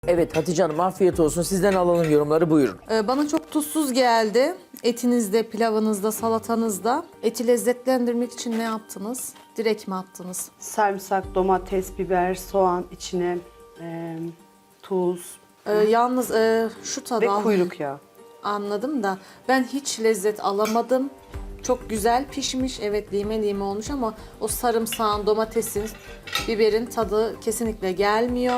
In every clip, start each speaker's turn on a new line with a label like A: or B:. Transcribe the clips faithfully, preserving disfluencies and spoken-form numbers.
A: Evet Hatice Hanım afiyet olsun. Sizden alalım yorumları buyurun.
B: Ee, bana çok tuzsuz geldi. Etinizde, pilavınızda, salatanızda. Eti lezzetlendirmek için ne yaptınız? Direkt mi attınız?
C: Sarımsak, domates, biber, soğan içine e, tuz
B: Ee, yalnız e, şu tadı
C: ve
B: al-
C: kuyruk yağı.
B: anladım da ben hiç lezzet alamadım. Çok güzel pişmiş, evet lime lime olmuş ama o sarımsağın, domatesin, biberin tadı kesinlikle gelmiyor.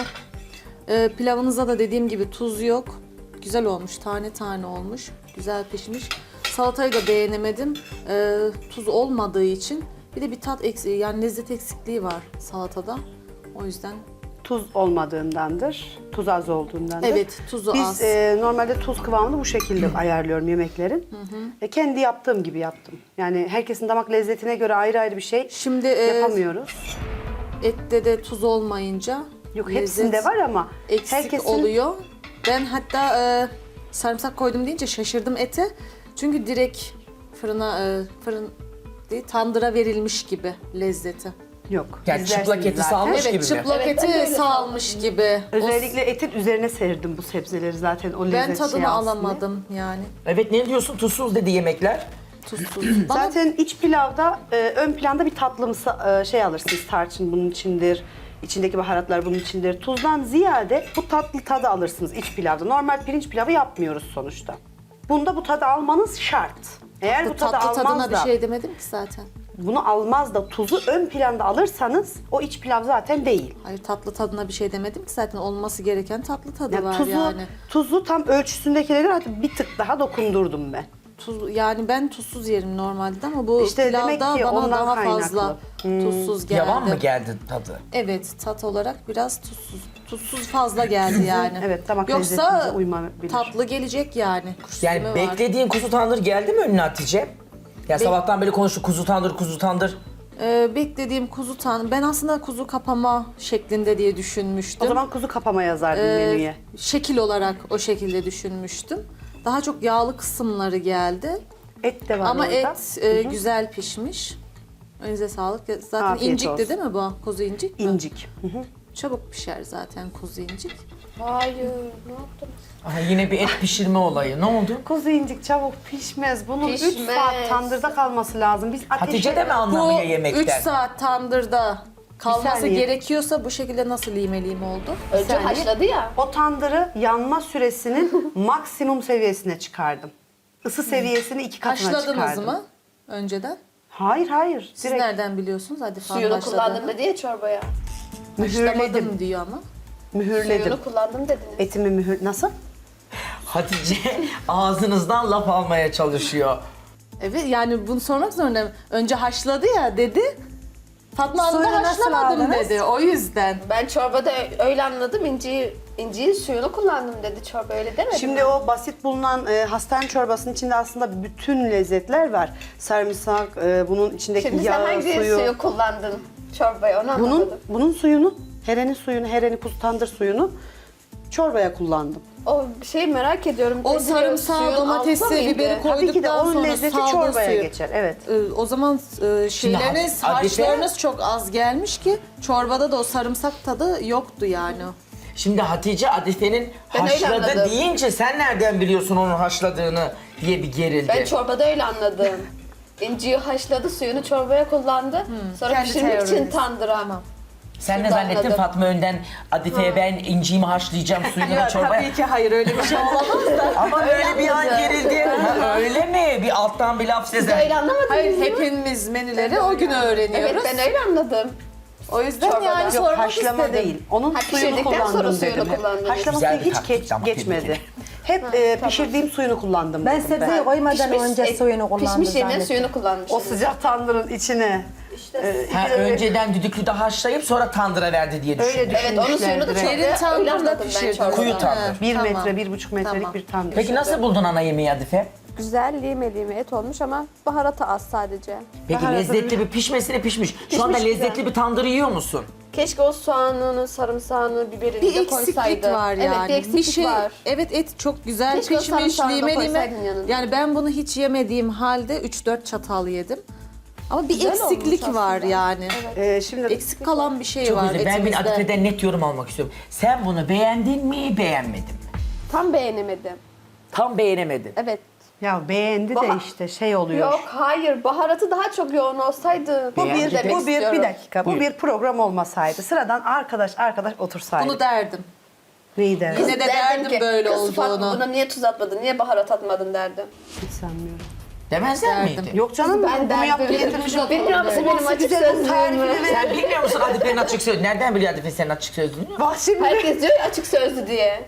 B: Ee, pilavınıza da dediğim gibi tuz yok. Güzel olmuş, tane tane olmuş, güzel pişmiş. Salatayı da beğenemedim. Ee, tuz olmadığı için bir de bir tat eksiği, yani lezzet eksikliği var salatada. O yüzden
C: Tuz olmadığındandır, tuz az olduğundandır.
B: evet tuzu
C: Biz
B: az.
C: e, normalde tuz kıvamını bu şekilde ayarlıyorum yemeklerin. E, kendi yaptığım gibi yaptım. Yani herkesin damak lezzetine göre ayrı ayrı bir şey
B: Şimdi e,
C: yapamıyoruz.
B: ette de tuz olmayınca
C: Yok
B: lezzet
C: hepsinde var ama
B: eksik
C: herkesin
B: oluyor. Ben hatta e, sarımsak koydum deyince şaşırdım ete. Çünkü direkt fırına e, fırın değil tandıra verilmiş gibi lezzeti.
C: yok.
A: Yani
C: İzlersiniz
A: çıplak eti
C: zaten.
A: salmış
B: Evet
A: gibi mi?
B: çıplak
D: Evet, ben de
B: eti
D: öyle
B: salmış gibi. O-
C: Özellikle etin üzerine serdim bu sebzeleri zaten o lezzet
B: ben tadını
C: şey alsın diye.
B: alamadım yani.
A: Evet ne diyorsun tuzsuz dedi yemekler.
B: Tuzsuz. Bana
C: Zaten iç pilavda e, ön planda bir tatlımsı e, şey alırsınız. Tarçın bunun içindir. İçindeki baharatlar bunun içindir. Tuzdan ziyade bu tatlı tadı alırsınız iç pilavda. Normal pirinç pilavı yapmıyoruz sonuçta. Bunda bu tadı almanız şart. Eğer bu tadı
B: tatlı
C: almaz
B: tadına bir
C: da,
B: şey demedim ki zaten.
C: bunu almaz da tuzu ön planda alırsanız o iç pilav zaten değil.
B: Hayır tatlı tadına bir şey demedim ki zaten olması gereken tatlı tadı
C: Yani
B: var
C: tuzu,
B: yani.
C: tuzu tam ölçüsündekileri hatta bir tık daha dokundurdum ben.
B: Tuz, yani ben tuzsuz yerim normalde ama bu
C: İşte demek
B: pilavda
C: ki
B: bana
C: ondan
B: daha
C: kaynaklı.
B: fazla tuzsuz geldi.
A: Yavan mı geldi tadı?
B: Evet, tat olarak biraz tuzsuz. Tuzsuz fazla geldi yani.
C: Evet, damak lezzetimize
B: Yoksa
C: uymayabilir.
B: tatlı gelecek yani. Kuş
A: Yani
B: üzümü var.
A: beklediğin kuzu tandır geldi mi önüne Hatice? Ya sabahtan beri konuştuk kuzu tandır kuzu tandır.
B: Ee, beklediğim kuzu tan. Ben aslında kuzu kapama şeklinde diye düşünmüştüm.
C: O zaman kuzu kapama yazardım
B: Ee,
C: menüye.
B: şekil olarak o şekilde düşünmüştüm. Daha çok yağlı kısımları geldi.
C: Et de var
B: Ama
C: orada.
B: et e, güzel pişmiş. Önünüze sağlık. Zaten
C: Afiyet
B: incikti
C: olsun.
B: değil mi bu? Kuzu incik mi?
C: İncik. Hı hı.
B: Çabuk pişer zaten kuzu incik.
D: Hayır, ne yaptın?
A: Aha, yine bir et pişirme olayı. Ne oldu?
C: Kuzu incik çabuk pişmez. Bunun üç
D: Pişmez.
C: saat tandırda kalması lazım. Biz ateşe...
A: Hatice de mi
B: Bu
A: anlamıyor
B: üç
A: yemekten?
B: saat tandırda kalması
C: saniye.
B: gerekiyorsa bu şekilde nasıl lime lime oldu?
D: Önce
C: saniye.
D: haşladı ya.
C: O tandırı yanma süresinin maksimum seviyesine çıkardım. Isı seviyesini iki katına
B: Haşladınız
C: çıkardım.
B: mı önceden?
C: Hayır hayır.
B: Siz
C: Direkt
B: nereden biliyorsunuz? Hadi falan
D: Suyunu
B: haşladığını.
D: kullandım dedi ya çorbaya.
C: mühürledim.
B: Haşlamadım diyor ama.
C: Mühürledim.
D: Suyunu kullandım dediniz.
C: Etimi mühür... Nasıl?
A: Hatice ağzınızdan laf almaya çalışıyor.
B: Evet yani bunu sormak zorundayım. Önce haşladı ya dedi. Fatma Hanım da
E: Suyunu nasıl
B: haşlamadım
E: aldınız?
B: dedi. O yüzden.
D: Ben çorbada öyle anladım. İnciyi, inciyi suyunu kullandım dedi çorba, öyle demedi
C: Şimdi
D: mi?
C: o basit bulunan e, hastane çorbasının içinde aslında bütün lezzetler var. Sarımsak, e, bunun içindeki
D: Şimdi sen
C: yağ,
D: hangi
C: suyu.
D: suyu kullandın çorbaya, onu
C: Bunun
D: anlamadım.
C: bunun suyunu, herenin suyunu, hereni kuzu tandır suyunu çorbaya kullandım.
D: O şey merak ediyorum.
B: O
D: dedi,
B: sarımsağı,
D: suyun
B: domatesi,
D: altta mıydı?
B: biberi koy-
C: Tabii ki de
B: Koyduktan
C: onun
B: sonra
C: lezzeti
B: saldı
C: çorbaya
B: suyu.
C: geçer. Evet.
B: Ee, o zaman e, şeyleriniz,
A: Hatice-
B: harçlarınız çok az gelmiş ki çorbada da o sarımsak tadı yoktu yani.
A: Şimdi Hatice Adife'nin
D: Ben öyle
A: haşladı
D: anladım.
A: deyince sen nereden biliyorsun onun haşladığını diye bir gerildi.
D: Ben çorbada öyle anladım. İnciyi haşladı, suyunu çorbaya kullandı. Sonra
B: kendi
D: pişirmek için
B: teoriniz.
D: tandıra.
A: Sen ne
D: Şimdi
A: zannettin
D: anladım.
A: Fatma Önden Adife'ye ben inciğimi haşlayacağım suyunu çorbaya.
B: ki hayır öyle bir şey olamaz da.
A: Ama öyle bir an
D: anladım.
A: gerildi. Ha, öyle mi? Bir alttan bir laf
D: Siz
A: sezer.
D: öyle anlamadınız
B: Hayır
D: mı?
B: hepimiz menüleri o gün öğreniyoruz.
D: Evet, ben öyle anladım.
B: O yüzden
D: Çorbada.
B: yani
D: Yok,
B: sormak
C: Haşlama
B: istedim.
C: değil. Onun
D: Ha,
C: suyunu
D: pişirdikten sonra
C: kullandım
D: suyunu
C: dedim. hep.
D: kullandınız.
C: Haşlama
A: Güzel
C: suyu
A: bir
C: hiç
A: taktik
C: geç,
A: ama
C: geçmedi.
A: tebrik
C: Hep e, pişirdiğim suyunu kullandım
E: Ben
C: dedim
E: sebzeyi koymadan
D: Pişmiş
E: önce
D: et-
E: suyunu kullandım
D: Pişmiş yemeğin
E: zannettim.
D: suyunu kullanmış.
C: O sıcak tandırın içine.
D: İşte.
A: Ha, önceden düdüklüde haşlayıp sonra tandıra verdi diye düşündüm.
C: Öyle
D: Evet, onun suyunu da
C: düşünmüşlerdir.
D: çok
B: Derin
D: öyle
B: tandırda
D: anladım ben
B: pişirdim.
D: çorbada.
A: Kuyu tandır.
C: Bir
B: Tamam.
C: metre, bir buçuk metrelik
B: Tamam.
C: bir tandır.
A: Peki nasıl buldun ana yemeği Adife?
F: Güzel lime lime et olmuş ama baharatı az sadece.
A: Peki
C: Baharatı
A: lezzetli bir pişmesine pişmiş. Şu anda
D: Pişmiş
A: lezzetli
D: güzel.
A: bir tandır yiyor musun?
D: Keşke o soğanını, sarımsağını, biberini
B: Bir
D: de
B: eksiklik
D: koysaydı.
B: var yani.
D: Evet, bir eksiklik
B: şey,
D: var.
B: Evet et çok güzel
D: Keşke o
B: pişmiş,
D: sarımsağını da
B: lime lime.
D: koysaydın yanına.
B: Yani ben bunu hiç yemediğim halde üç dört çatal yedim. Ama bir
F: Güzel
B: eksiklik
F: olmuş
B: var
F: aslında.
B: yani.
C: Ee, şimdi
B: Eksik kalan bir şey
A: Çok
B: var
A: güzel. Ben bir
B: etimizde.
A: Adife'den net yorum almak istiyorum. Sen bunu beğendin mi, beğenmedin mi?
F: Tam beğenemedim.
A: Tam beğenemedin.
F: Evet.
C: ya beğendi de
D: Bah-
C: işte şey oluyor.
D: Yok hayır baharatı daha çok yoğun olsaydı.
C: Bu
A: Beğendi
C: bir,
A: demek
C: bu bir, bir
D: istiyorum.
C: dakika. Bu
A: Buyur.
C: bir program olmasaydı. Sıradan arkadaş arkadaş otursaydı.
B: Bunu derdim.
C: Neyi derdi?
B: Yine de derdim böyle
D: kız Fatma
B: olduğunu.
D: buna niye tuz atmadın, niye baharat atmadın derdim.
C: Hiç sanmıyorum.
A: Demezler
B: Derdim.
A: miydi?
C: Yok canım
D: Ben
C: bunu
D: derdim.
C: yaptı
D: Benim-
C: getirmiş.
D: Bilmiyor musun benim açık sözlüğümü?
A: Sen bilmiyor musun Adife'nin açık sözlüğünü? Nereden biliyor Adife senin açık sözlüğünü?
C: Bak şimdi.
D: Herkes diyor ya açık sözlü diye.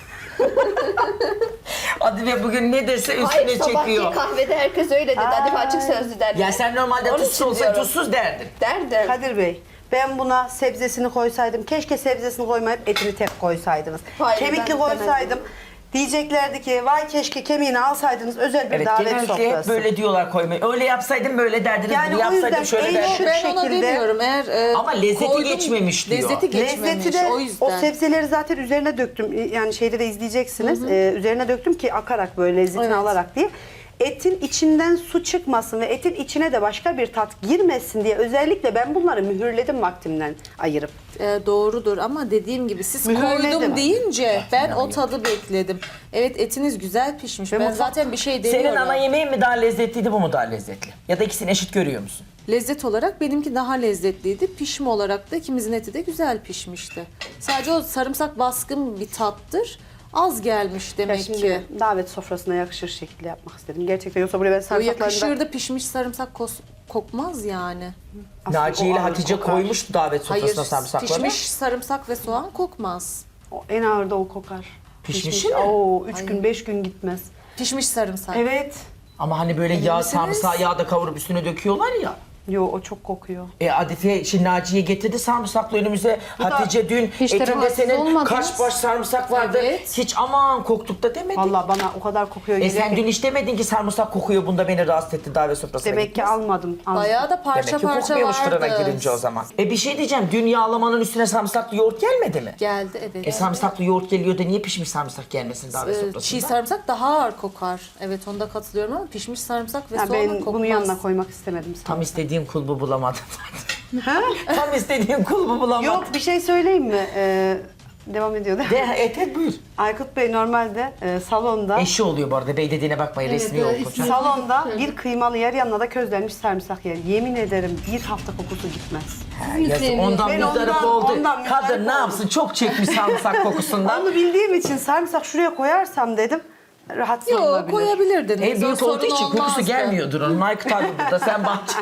A: Adife bugün ne dese üstüne
D: Hayır sabahki
A: çekiyor.
D: kahvede herkes öyle dedi. Hadi açık sözlü derdi.
A: Ya sen normalde
D: Onun
A: tuzsuz
D: için
A: olsa
D: diyorum.
A: tuzsuz derdin.
D: Derdim.
C: Kadir Bey, ben buna sebzesini koysaydım, keşke sebzesini koymayıp etini tek koysaydınız.
D: Hayır,
C: Kemikli
D: ben
C: koysaydım,
D: demezdim.
C: diyeceklerdi ki vay keşke kemiğini alsaydınız özel bir
A: Evet
C: davet
A: genellikle hep
C: sofrası.
A: böyle diyorlar koymayı. Öyle yapsaydım böyle derdiniz.
C: Yani
A: bunu
C: o
A: yapsaydım
C: yüzden
A: şöyle
C: en
A: derdim.
C: şu
B: Ben ona
C: şekilde-
B: demiyorum. Eğer e,
A: Ama lezzeti
B: koydum,
A: geçmemiş diyor.
B: Lezzeti geçmemiş.
C: Lezzeti de
B: o yüzden.
C: o sebzeleri zaten üzerine döktüm. Yani şeyde de izleyeceksiniz. Ee, üzerine döktüm ki akarak böyle lezzetini
B: Evet.
C: alarak diye. Etin içinden su çıkmasın ve etin içine de başka bir tat girmesin diye özellikle ben bunları mühürledim vaktimden ayırıp.
B: E, doğrudur ama dediğim gibi siz
C: Mühürledim.
B: koydum deyince ben o tadı bekledim. Evet etiniz güzel pişmiş.
C: Ve
B: Ben
C: mutfak-
B: zaten bir şey demiyorum.
A: Senin ana yemeğin mi daha lezzetliydi bu mu daha lezzetli? Ya da ikisini eşit görüyor musun?
B: Lezzet olarak benimki daha lezzetliydi. Pişme olarak da ikimizin eti de güzel pişmişti. Sadece o sarımsak baskın bir tattır. Az gelmiş
C: Ya
B: demek
C: şimdi
B: ki.
C: davet sofrasına yakışır şekilde yapmak istedim. Gerçekten yoksa buraya ben
B: O
C: sarımsaklarını
B: yakışırdı pişmiş sarımsak kos- kokmaz yani.
C: Aslında
A: Naciye ile
C: o ağır
A: Hatice
C: kokar.
A: koymuştu davet
B: Hayır
A: sofrasına sarımsakları.
B: pişmiş sarımsak ve soğan kokmaz.
C: O en ağır da o kokar.
A: Pişmişi mi?
C: Oo, üç gün beş gün gitmez.
B: Pişmiş sarımsak.
C: Evet.
A: Ama hani böyle yağ
B: misiniz?
A: sarımsağı yağda kavurup üstüne döküyorlar ya.
C: Yo o çok kokuyor.
A: E Adife şimdi Naciye getirdi sarımsaklı önümüze. Hatice dün
F: Hiç de
A: etinde
F: rahatsız
A: senin
F: olmadınız.
A: kaç baş sarımsak vardı.
B: Evet.
A: Hiç aman koktuk da demedin.
C: Vallahi bana o kadar kokuyor.
A: E
C: geliyor
A: sen
C: ki.
A: dün hiç demedin ki sarımsak kokuyor bunda beni rahatsız etti davet sofrasına
C: Demek ki
A: gitmez.
C: almadım. aldım.
B: Bayağı da parça
A: Demek ki
B: parça
A: kokmuyormuş
B: vardı.
A: fırına girince o zaman. E bir şey diyeceğim dün yağlamanın üstüne sarımsaklı yoğurt gelmedi mi?
B: Geldi evet.
A: E sarımsaklı yoğurt geliyor da niye pişmiş sarımsak gelmesin davet
B: Ee,
A: sofrasında?
B: Çiğ sarımsak daha ağır kokar. Evet onda katılıyorum ama pişmiş sarımsak ve
C: Ha,
B: soğan
C: ben
B: kokmaz.
C: bunu yanına koymak istemedim.
A: Tam istediğim kulbu bulamadım.
C: Ha?
A: Tam istediğim kulbu bulamadım.
C: Yok bir şey söyleyeyim mi? Ee, devam ediyor değil mi?
A: De et et buyur.
C: Aykut Bey normalde e, salonda
A: Eşi oluyor bu arada. Bey dediğine bakmayın resmi yok hocam.
C: salonda bir kıymalı yer yanına da közlenmiş sarımsak yer. Yemin ederim bir hafta kokusu gitmez.
A: Ha, yazık. Ondan
C: Ben
A: müzdarip
C: ondan-
A: oldu.
C: ondan müzdarip
A: Kadın ne
C: oldum.
A: yapsın? Çok çekmiş sarımsak kokusundan.
C: Onu bildiğim için sarımsak şuraya koyarsam dedim rahatsız
B: Yok
C: olabilir.
B: koyabilirdiniz.
A: E
B: O
A: büyük
B: sorun
A: olduğu için kokusu
B: olmazdı.
A: gelmiyordur onun. Aykut abi burada sen bahçe.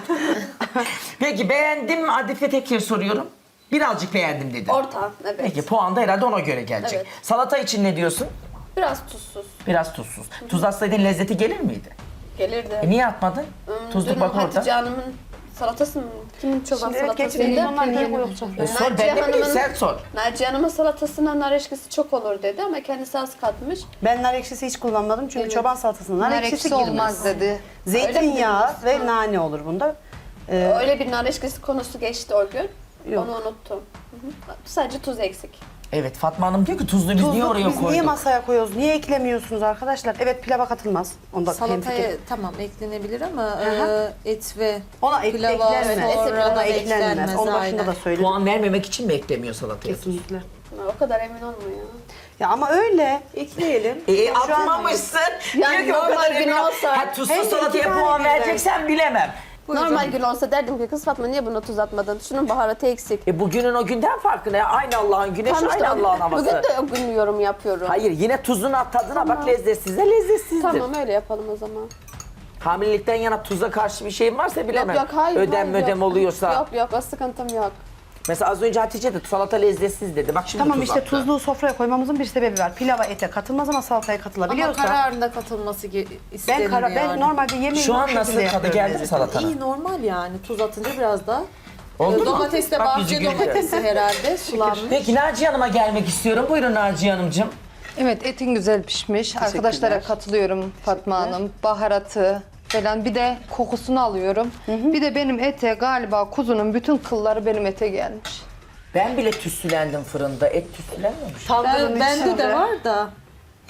A: Peki beğendim mi? Adife tekrar soruyorum. Birazcık beğendim dedi.
D: Orta evet.
A: Peki puan da herhalde ona göre gelecek.
D: Evet.
A: Salata için ne diyorsun?
D: Biraz tuzsuz.
A: Biraz tuzsuz. Tuz atsaydın lezzeti gelir miydi?
D: Gelirdi.
A: E niye atmadın?
D: Hmm,
A: Tuzluk
D: dün
A: bak
D: Hatice
A: orada.
D: Hanım'ın salatası mı? Kimin çoban
C: Şimdi evet
D: salatasıydı?
C: geçelim onlar ne koyulacak?
A: E sor
D: Naciye
A: ben de bileyim
D: Hanım'ın-
A: sen sor.
D: Naciye Hanım'ın salatasına nar eşkisi çok olur dedi ama kendisi az katmış.
C: Ben nar ekşisi hiç kullanmadım çünkü
D: Evet.
C: çoban salatasında nar,
E: Nar
C: ekşisi
E: ekşisi
C: girmez.
E: olmaz dedi.
C: Zeytinyağı
D: Öyle mi
C: ve nane olur bunda. Ee,
D: Öyle bir nar eşkisi konusu geçti o gün.
C: Yok.
D: Onu unuttum. Hı hı. Sadece tuz eksik.
A: Evet Fatma Hanım diyor ki tuzlu biz niye
C: tuzluk
A: oraya
C: biz
A: koyduk?
C: niye masaya koyuyoruz? Niye eklemiyorsunuz arkadaşlar? Evet pilava katılmaz. Onda
B: Salataya
C: hemfikir.
B: tamam eklenebilir ama
C: Hı
B: e, et ve
C: Ona ek,
B: pilava
C: eklenmez.
B: sonra
C: Ona
B: eklenmez.
C: eklenmez. Onu başında
B: aynen.
C: da söyledim.
A: Puan vermemek için mi eklemiyor salataya?
C: Kesinlikle.
D: O kadar emin olmuyor.
C: Ya ama öyle. Ekleyelim.
A: E
C: Şu an-
A: atmamışsın.
D: Yani
A: Diyor ki o
D: normal
A: kadar
D: gün
A: emin ol-
D: olsa-
A: Ha, tuzsuz
C: Hem de
A: salataya
C: iki tane
A: puan
C: birden.
A: vereceksen bilemem.
D: Normal gün olsa derdim ki kız Fatma niye buna tuz atmadın? Şunun baharatı eksik.
A: E bugünün o günden farkı ne? Aynı Allah'ın güneşi,
D: Tam işte
A: aynı Allah'ın havası.
D: bugün de o gün yorum yapıyorum.
A: Hayır yine tuzuna tadına bak lezzetsizse lezzetsizdir.
D: Tamam öyle yapalım o zaman.
A: Hamilelikten yana tuza karşı bir şeyin varsa bilemem.
D: Yok yok hayır.
A: Ödem
D: hayır,
A: ödem
D: yok.
A: oluyorsa.
D: Yok yok o sıkıntım yok.
A: Mesela az önce Hatice de salata lezzetsiz dedi. Bak şimdi
C: Tamam
A: tuz
C: işte
A: attı.
C: tuzluğu sofraya koymamızın bir sebebi var. Pilava ete katılmaz ama salataya
B: Ama
C: katılabiliyorsa.
B: kararında katılması ge- istenir
C: Ben kara, ben
B: yani.
C: normalde yemeğimi
A: Şu an
C: bu
A: nasıl
C: şekilde
A: tadı
C: yapıyorum
A: geldi mi
C: lezzeti.
A: salatanın?
B: İyi normal yani. Tuz atınca biraz da.
A: Oldu mu?
B: Domates de
A: Bak yüzü
B: bahçe
A: gülüyor.
B: domatesi herhalde sulanmış.
A: Peki Naciye Hanım'a gelmek istiyorum. Buyurun Naciye Hanımcığım.
E: Evet etin güzel pişmiş. Arkadaşlara katılıyorum Fatma Hanım. Baharatı falan bir de kokusunu alıyorum. Bir de benim ete galiba kuzunun bütün kılları benim ete gelmiş.
A: Ben bile tütsülendim fırında. Et tütsülenmemiş.
C: Tandırın
B: Ben, bende
C: içinde.
B: de var da.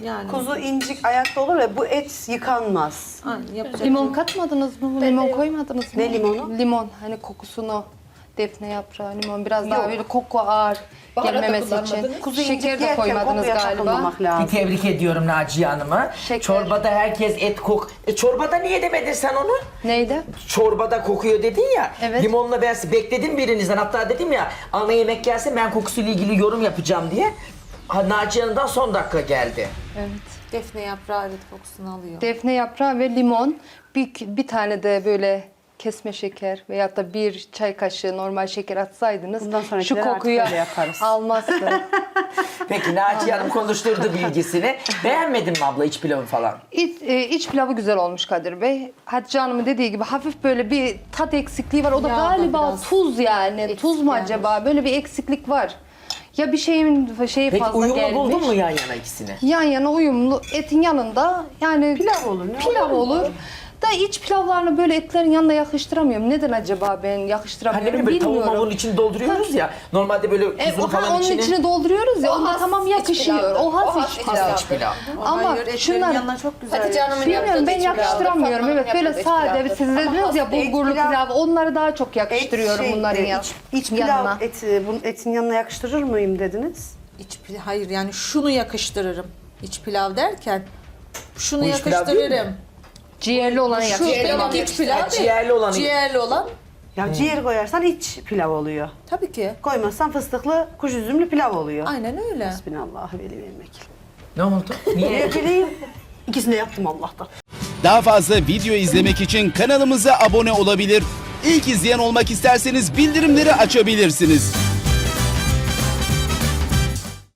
B: Yani
C: Kuzu incik ayakta olur ve bu et yıkanmaz.
B: aynen, yapacak
E: Limon
B: bir-
E: katmadınız mı? Limon koymadınız mı?
C: Ne limonu?
E: Limon. Hani kokusunu. Defne yaprağı, limon. Biraz daha
C: Yok.
E: böyle koku ağır
D: Baharat da
E: gelmemesi için.
D: kullanmadınız.
C: Kuzu incik
E: Şeker de
C: yerken
E: koymadınız
C: kokuya
E: galiba.
C: takılmamak
A: Bir
C: lazım.
A: tebrik ediyorum Naciye Hanım'ı.
E: Şeker.
A: Çorbada herkes et kok... E, çorbada niye demedin sen onu?
E: Neydi?
A: Çorbada kokuyor dedin ya.
E: Evet.
A: Limonla ben bekledim birinizden. Hatta dedim ya ana yemek gelsin ben kokusuyla ilgili yorum yapacağım diye. Ha, Naciye Hanım'dan son dakika geldi.
E: Evet.
B: Defne yaprağı evet kokusunu alıyor.
E: Defne yaprağı ve limon. Bir, bir tane de böyle kesme şeker veyahut da bir çay kaşığı normal şeker atsaydınız
C: Bundan
E: şu
C: sonrakileri artık
E: kokuyu
C: öyle yaparız.
E: almazdı.
A: Peki Naciye Hanım konuşturdu bilgisini. Beğenmedin mi abla iç pilavı falan?
E: İç, e, iç pilavı güzel olmuş Kadir Bey. Hatice Hanım'ın dediği gibi hafif böyle bir tat eksikliği var. O da
B: Yağ da
E: galiba
B: biraz
E: tuz yani.
B: eksik
E: Tuz mu
B: gelmiş.
E: acaba? Böyle bir eksiklik var. Ya bir şeyin şeyi
A: Peki
E: fazla
A: uyumlu
E: gelmiş.
A: buldun mu yan yana ikisini?
E: Yan yana uyumlu etin yanında yani
C: Pilav olur, ne
E: Pilav
C: olur?
E: olur. Da iç pilavlarını böyle etlerin yanına yakıştıramıyorum. Neden acaba ben
A: Hani
E: yakıştıramıyorum
A: ne böyle tavuğun
E: bilmiyorum.
A: mavuğun içini dolduruyoruz ya. Normalde böyle
E: E,
A: kuzun
E: o,
A: falan
E: ha, onun
A: içini...
E: içine dolduruyoruz ya.
D: O
E: Onda
D: has
E: tamam
D: iç
E: yakışıyor.
D: pilavdır.
E: O has
D: O has
E: iç
D: iç
E: pilav.
D: pilav.
A: iç pilav.
E: Ama
B: Hayır, etlerin
E: şunlar
B: yanına çok güzel.
D: Hatice Hanım'ın
E: bilmiyorum
D: yaptığı
E: ben
D: iç pilavdır.
E: yakıştıramıyorum.
D: Fatma'nın
E: Evet böyle
D: yaptığı iç
E: sade.
D: pilavdır.
E: Siz dediniz ya
C: et
E: bulgurlu
C: pilav-
E: pilav. Onları daha çok
C: Et
E: yakıştırıyorum
C: şey,
E: bunların
C: e,
E: ya-
C: iç, iç pilav
E: yanına.
C: eti, bunun etin yanına yakıştırır mıyım dediniz?
B: İç pilav, hayır yani şunu yakıştırırım. İç pilav derken şunu
A: Bu iç pilav değil
B: yakıştırırım.
E: Ciğerli olanı
B: Şu
E: yakıştırıyorum.
B: benim iç pilav
A: Ha,
B: değil.
A: ciğerli olanı-
B: Ciğerli olan
C: Ya ciğer koyarsan iç pilav oluyor.
B: tabii ki.
C: Koymazsan fıstıklı kuş üzümlü pilav oluyor.
B: Aynen öyle.
C: Hasbinallah veli ve vekil.
A: Ne oldu? Niye?
C: Ne bileyim. İkisini de yaptım Allah'tan.
G: Daha fazla video izlemek için kanalımıza abone olabilir. İlk izleyen olmak isterseniz bildirimleri açabilirsiniz.